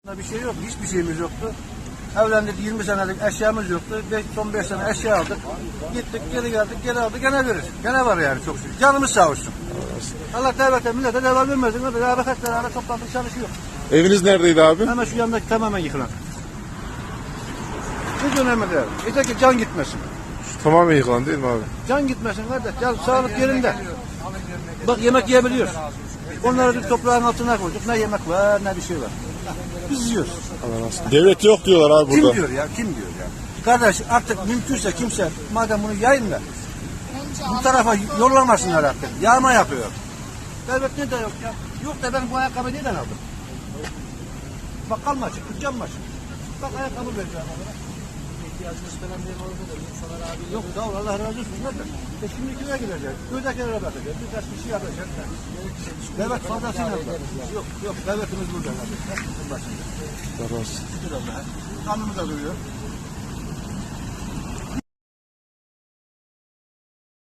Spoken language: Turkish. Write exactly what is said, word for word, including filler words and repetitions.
Bir şey yok, hiçbir şeyimiz yoktu. Evlendik, yirmi senelik eşyamız yoktu. beş, son beş sene eşya aldık. Gittik, geri geldik, geri aldık, gene verir. Gene var yani çok şükür. Canımız sağ olsun. Allah devlete, millete devam vermesin. Beraber kaç tane toplantıp çalışıyor. Eviniz neredeydi abi? Hemen şu yandaki tamamen yıkılan. Hiç önemli değil. Yeter ki can gitmesin. Şu tamamen yıkılan değil mi abi? Can gitmesin kardeş. Can sağlık yerinde. Bak yemek yiyebiliyoruz. Onları bir toprağın altına koyduk. Ne yemek var, ne bir şey var. Biz yiyoruz. Devlet yok diyorlar abi burada. Kim diyor ya? Kim diyor ya? Kardeş artık mümkünse kimse madem bunu yayın da bu tarafa yollamasınlar artık. Yağma yapıyor. Devlet ne de yok ya? Yok da ben bu ayakkabıyı neden aldım? Bakkal mı açık? Dükkan mı açık? Bak ayakkabı vereceğim onlara. İhtiyacınız falan değil orada da. İnsanlar abi yok sağ ol Allah razı olsun. Nerede? E şimdi kime gidecek? Köydekilere bakacak. Birkaç bir şey yapacak. Devlet fazlasıyla alacak. Yok yok devletimiz burada. Başında. Şükür Şükür Allah'a. Kanımıza duruyor.